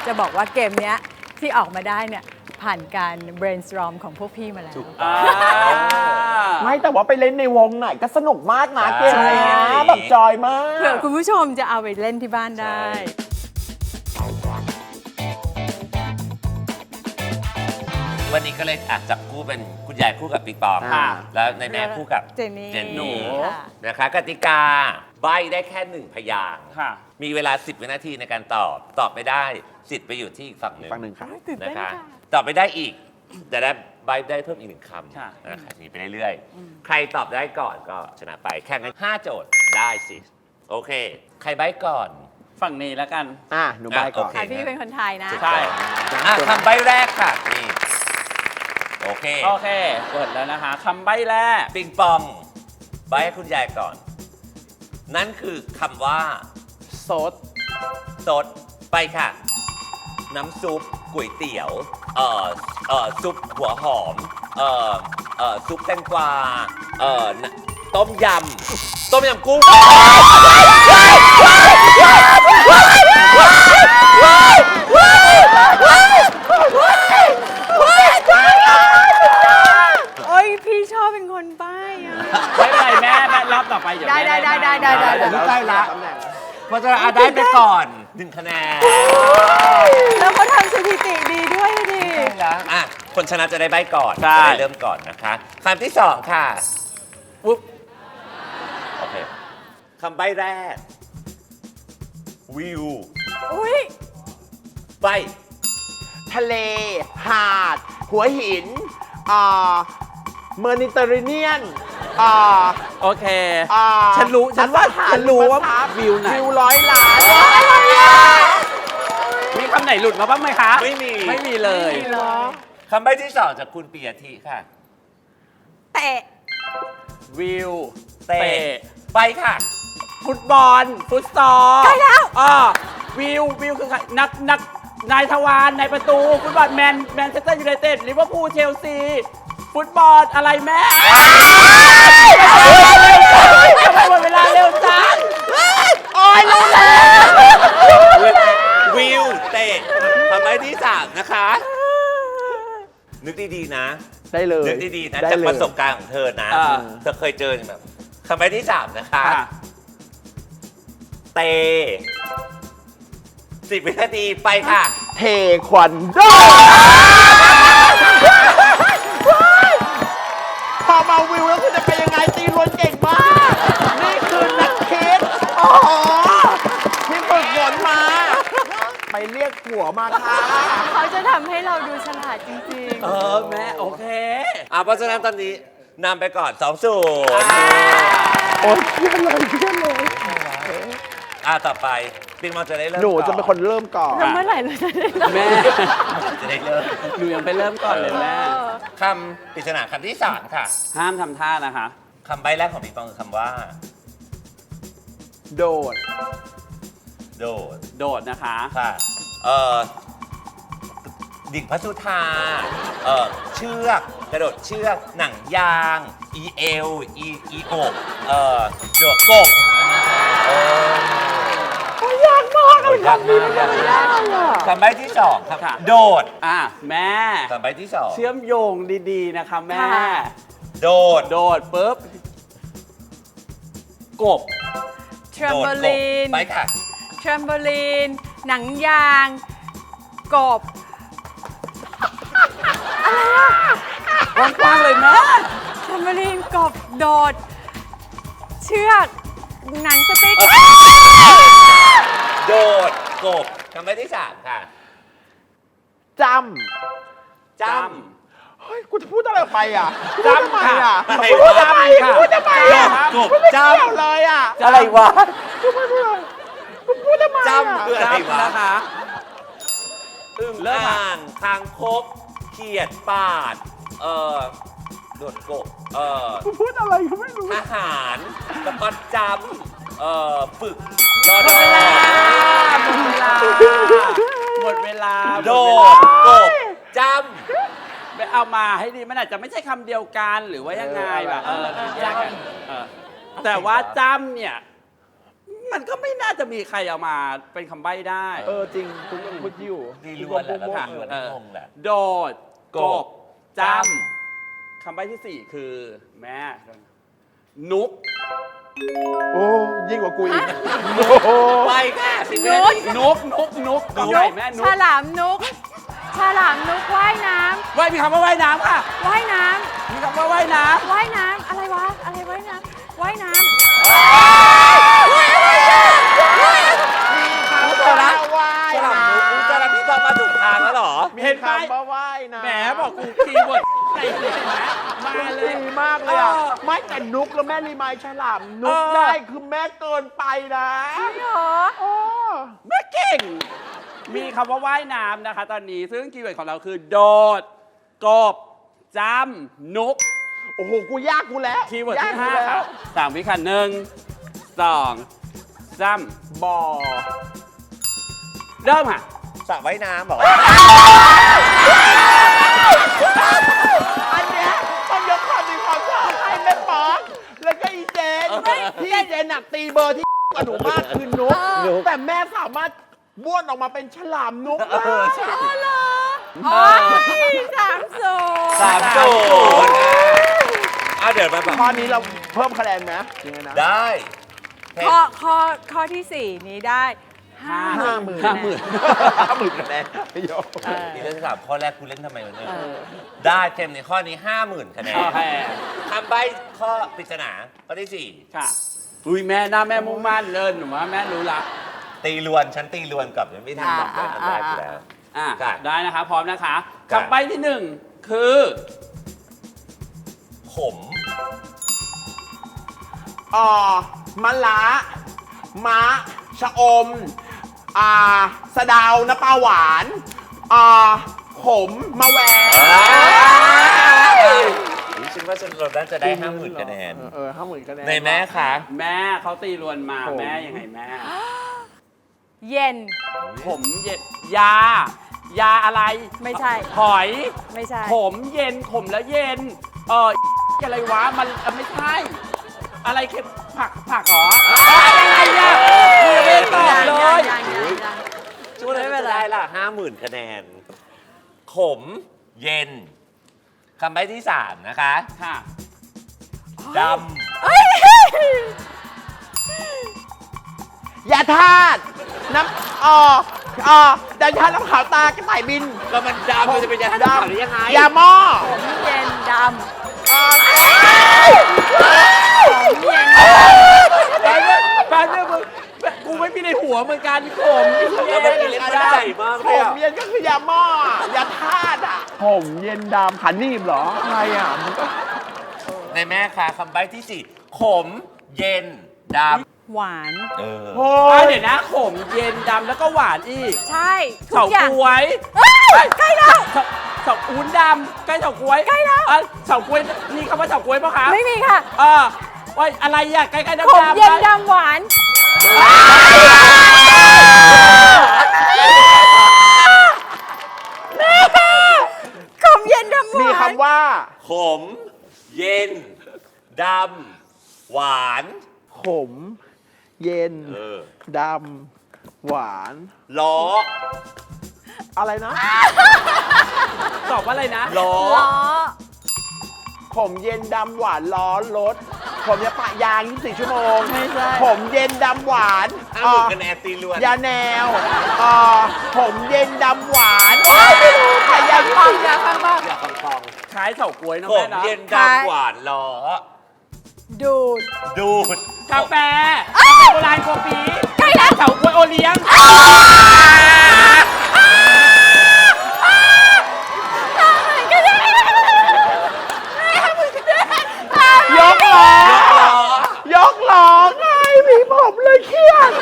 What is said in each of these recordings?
จะบอกว่าเกมเนี้ยที่ออกมาได้เนี่ยผ่านการ brainstorm ของพวกพี่มาแล้วไม่แต่ว่าไปเล่นในวงไหนก็สนุกมากนะเกมเนี้ยใช่แบบจอยมากเผื่อคุณผู้ชมจะเอาไปเล่นที่บ้านได้วันนี้ก็เลยจับคู่เป็นคุณยายคู่กับปิงปองค่ะแล้วในแม่คู่กับเจนนี่หนูค่ะนะคะกติกาใบได้แค่1 พยางค์ค่ะมีเวลา 10 วินาทีในการตอบไม่ได้สิทธิ์ไปอยู่ที่อีกฝั่งหนึ่งฝั่งหนึ่งค่ะตื่นนะเต้นคะค่ะตอบไม่ได้อีกจะได้ใบได้เพิ่มอีก1 คค่ะำนะคะอย่างนี้ไปเรื่อยๆ ใครตอบได้ก่อนก็ชนะไปแข่งกัน5 โจทย์ได้สิโอเค ใครใบก่อนฝั่งนี้แล้วกันหนูบายก่อนโอเคอ่ะพี่เป็นคนไทยนะใช่คำใบแรกค่ะนี่โอเคโอเคเปิดแล้วนะคะคำใบ้แรกปิงปองใบให้คุณยายก่อน นั่นคือคำว่าสดสดไปค่ะ น้ำซุปก๋วยเตี๋ยวซุปหัวหอมซุปแตงกวาต้มยำกุ้งโอ้ยพี่ชอบเป็นคนใบ้อะไม่เป็นไรแม่รอบต่อไปเดี๋ยวได้แม่ได้บ้างได้ใกล้ละเพราะฉะนั้นได้ไปก่อน1 คะแนนแล้วเขาทำสถิติดีด้วยดิคนชนะจะได้ใบก่อนจะได้เริ่มก่อนนะคะคำที่ 2 ค่ะปุ๊บโอเคคำใบแรก วิวอุ้ยใบทะเล หาด หัวหินเมอร์นิเตอร์เรเนียนโอเค ฉันรู้ว่าวิวไหนวิว100 ล้านมีคำไหนหลุดมาบ้างไหมคะไม่มีไม่มีเลยคำใบที่ 2 จากคุณปียทิค่ะเตะวิวเตะไปค่ะฟุตบอล ฟุตซอลใกล้แล้ววิวคือใครนักนายทวารนายประตู ฟุตบอลแมนเชสเตอร์ยูไนเต็ดลิเวอร์พูลเชลซี ฟุตบอลอะไรแม่ทำไมหมดเวลาเร็วจังวิวเตะคำใบที่ 3 นะคะ นึกดีๆนะได้เลยนึกดีๆนะได้จากเลยประสบการณ์ของเธอนะอ่าเธอเคยเจอแบบคำใบที่ 3 นะคะค่ะเต10 วินาทีไปค่ะเทควันโดพอมาวิวแล้วคุณจะเป็นยังไงตีล้วนเก่งมาก นี่คือนักคิดโอ้โหที่ฝึกฝนมา ไปเรียกผัวมาค่ะเขาจะทำให้เราดูฉลาดจริงแม่โอเคเพราะฉะนั้นตอนนี้นำไปก่อน2-0 โอ้ยเครียดเลยเครียดเลยต่อไปปิงมองจะได้เริ่มหนูจะเป็นคนเริ่มก่อนๆแล้วเมื่อไหร่เราจะได้รับแม่จะได้เริ่มหนูยังไปเริ่มก่อนเลยแม่คำปริศนาคำที่ 3 ค่ะห้ามทำท่านะคะคำใบแรกของปิงปองคือคำว่าโดดโดดโดดนะคะค่ะดิ่งพระสุธาเชือก กระโดดเชือก หนังยาง อีเอล อีอกโดดกบยากมากเลยคำใบที่ 2 ครับค่ะโดดแม่คำใบที่ 2 เชื่อมโยงดีๆนะคะแม่โดดโดดปุ๊บ กบเทรมโบลีนไปค่ะเทรมโบลีน หนังยาง กบกว้างๆเลยแม่เทรมโบลีน กบ โดด เชือก หนังสติ๊กโดดกบคำใบที่ 3 ค่ะจจำเฮ้ย กูจะพูดอะไรไปอ่ะจำค่ะอะไรพูดวะทำไมอ่ะพูดทำไมอ่ะกบไม่จเกี่ยวเลยอ่ะอะไรวะพูดทำไมจอ่ะำคืออะไรวะนะคะอึ่งเริ่มอ่างคางคกเขียดปาดโดดกบพูดอะไรก็ไม่รู้ทหารสะกดจำฝึกรอดอหมดเวลาโดดกบจไปเอามาให้ดีมันอาจจะไม่ใช่คำเดียวกันหรือว่ายังไงแบบแยกกันแต่ว่าจำเนี่ยมันก็ไม่น่าจะมีใครเอามาเป็นคำใบ้ได้จริงคุณยังพูดอยู่ตีล้วนแหละแล้วกูตีก็ล้วนโม่งงแหละโดดกกบบจำคำใบ้ที่ 4 คือแม่นุกโอ้ยิ่งกว่ากูอีกไปค่ะสิบนุวิชนาทีนุกใหญ่แม่นุฉกลามนุกฉลามนุกว่ายน้ว่ายมีคำว่าว่ายน้ำค่ะำว่ายน้มีคำว่าว่ายน้ำว่ายน้ำอะไรวะอะไรว่ายน้ำว่ายน้ฉลามว่ายฉลามนุ๊กอุ๊ยจะรับพี่ต้องมาถูกทางแล้วเหรอำเห็นไหมคำว่าว่ายนะแหมบอกกูคีย์เวิร์ดไหนเห็นไหมมาเลยดีมากเลยอ่ะเออไม่แต่นุกแล้วแม่รีมายฉลามนุกเออได้คือแม่เกินไปนะำจริงเหรอโอ้แม่เก่ง มีคำว่าว่ายน้ำนะคะ ตอนนี้ซึ่งคีย์เวิร์ดของเราคือโดดกบจำนุกโอ้โหกูยากกูแล้วคีย์เวิร์ดยากที่กู 5 แล้ค่ะว 3 วิค่ะ1 2 3 บ่อเริ่มค่ะสระว่ายน้ำเหรออันเนี้ยต้องยกความดีความชอบให้แม่ป๊อกแล้วก็อีเจนที่อีเจนหนักตีเบอร์ที่กับหนูมากคือนุกแต่แม่สามารถบ้วนออกมาเป็นฉลามนุกได้อ๋อ3-0 3-0อ่ะเดี๋ยวมาแบบข้อนี้เราเพิ่มคะแนนไหมยังไงนะได้ข้อที่ 4 นี้ได้ 50,000 50,000คะแนนพี่โยนี่เรื่องที่สามข้อแรกคุณเล่นทำไมวะเนี่ยได้เต็มในข้อนี้ 50,000 คะแนนโอเคคำใบ้ข้อปริศนาข้อที่ค่ะ อุ้ยแม่หน้าแม่มุ่งมั่นเลยหนูว่าแม่รู้ละ 4 ตีลวน ฉันตีลวนกลับยังไม่ทันบอกเลยอันแรกอยู่แล้วอ่ะค่ะได้นะคะ พร้อมนะคะค่ะคำใบ้ที่ 1 คือขมมะละม้าชะอมสะเดาวน้ำปลาหวานขมมะแวงนี่ฉันว่าฉันเราน่าจะได้ 50,000 คะแนน 50,000คะแนนในแม่คะแม่เขาตีรวนมาผมแม่ยังไงแม่เย็นผมเย็นยาอะไรไม่ใช่หอยไม่ใช่ขมเย็นขมแล้วเย็นอะไรวะมันไม่ใช่ อะไรเค็มผักเหรออะไรเนี่ยไม่ตอบเลยยังช่วงนั้นไม่เป็นจะไรได้ละ 50,000 คะแนน ขม เย็น คำใบ้ที่ 3 นะคะค่ะดยาธาตุน้ำยาธาตุน้ำขาวตากระต่ายบินำก็มันดำมันจะเป็นยาดำหรือยังไงยาหม้อผมเย็นดำอ่าผมเย็นแป๊บนึงมึงกูไม่มีในหัวเหมือนกันขมแล้วมันมีเล่นใหญ่มากผเลยมอะเย็นก็คือยาหม้อยาธาตุผมเย็นดำขันนีบเหรออะไรมันก็ในแม่ค่ะคำใบ้ที่ 4 ขม เย็น ดหวานำเออโอ้เดี๋ยวนะขมเย็นดำแล้วก็หวานอีกใช่ทุเฉากอย่างก๊วยเอ้ยใกล้แล้วเฉาอุ้นดำใกล้เฉาก๊วยใกล้แล้วเฉาก๊วยมีคำว่าเฉาก๊วยปะคะไม่มีค่ะว่าอะไรอะใกล้ๆดำผมๆเย็นดำหวาน ผมเย็นดำหวานมีคำว่าขม เย็น ดำ หวานขม เย็นเออดำหวานล้ออะไรนะตอบว่าอะไรนะล้อล้อผมเย็นดำหวานล้อรถ ผมจะปะยาง24 ชั่วโมงไม่ใช่ผมเย็นดำหวาน 50,000 คะแนนตีล้วนยาแนวผมเย็นดำหวานไม่รู้ใครยาฟังอย่าฟังบ้างอยากฟังคล้ายเฉาก๊วยนะขแม่มนะเย็นดำ หวาน ล้อดูดดูดกาแฟโบราณโกปีใกล้แล้วเฉาก๊วยโอเลี้ยงยกล้อยกล้อไงมีผมเลยเครียด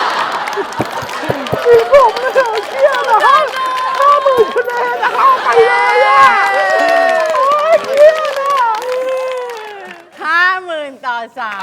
มีผมเลยเครียดนะครับ50,000 คะแนนนะครับไปเลยอ่ะโอ้ยเครียดอ่ะ 50,000 ต่อ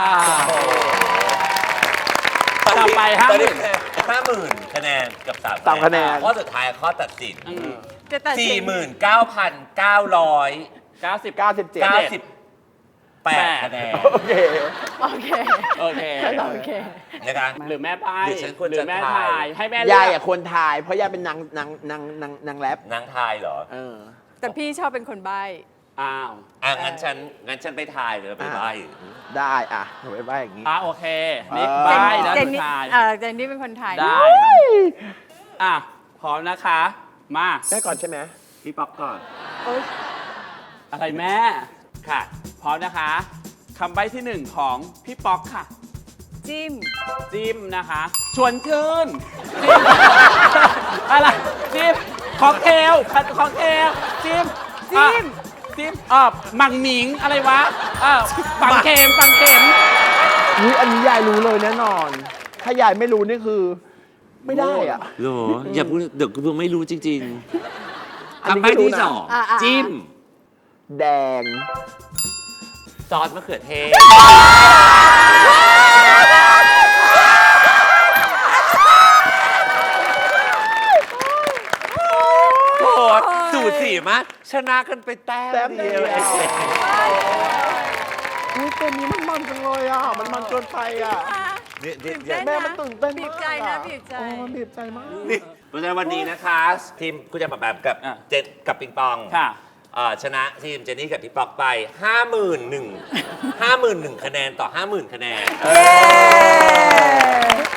ต่อไปตอนนี้ 50,000 50,000 คะแนนกับ 3 3 คะแนนข้อสุดท้ายข้อตัดสิน 3จะตัดสิน 49,900 90 97 97 8 คะแนนโอเคโอเคโอเคโอเคนะคะหรือแม่ไปหรือฉันควรจะแม่ถ่ายถ่ายให้แม่เลืยายอกอ่ะควรทาย เพราะยายเป็นนางแรปนางทายเหรอเออแต่พี่ชอบเป็นคนใบ้อ้าวงั้นฉันไปทายหรือไปใบได้อ่ะหนูไปใบ้อย่างนี้โอเคนี่เออไปแล้วเจหนนูนี่ถ่ายเจนนี่เป็นคนไทยได้อ่ะพร้อมนะคะ มาได้ก่อนใช่ไหมพี่ป๊อกก่อนโอ๊ยอะไรแม่ค่ะพร้อมนะคะคำใบ้ที่หนึ่งของพี่ป๊อกค่ะจิ้มจิ้มนะคะ ชวนชื่นจิ้ม อะไรจิ้มค็อกเทลค็อกเทลจิ้มจิ้มจิ้มหมังหมิงอะไรวะปังเข็มปังเข็มนี่อันนี้ยายรู้เลยแน่นอน ถ้ายายไม่รู้นี่คือ ไม่ได้อ่ะโหอย่าพูดเดี๋ยวกูไม่รู้จริงอันๆนี้คำใบ้ก็รู้ที่นะสอง จิ้มแดงซอสมะเขือเทศโอ้โหสูสีมากชนะกันไปแต้แต้มมเดีเดียยว วเอง อุ้ยตัวนี้มันจังเลยอ่ะ มันเกินไปอ่ะนี่ตื่นเต้นแม่มันตื่นเต้นบีมากบใจนะอ่บีบใจโอ้มันบีบใจมากนี่เพราะฉะนั้นวันนี้นะคะ ทีมคุณจะมาแบบกับอ่ะเจนกับปิงปองค่ะชนะทีมเจนนี่กับพี่ป๊อกไป 51,000 คะแนนต่อ 50,000 คะแนนเย้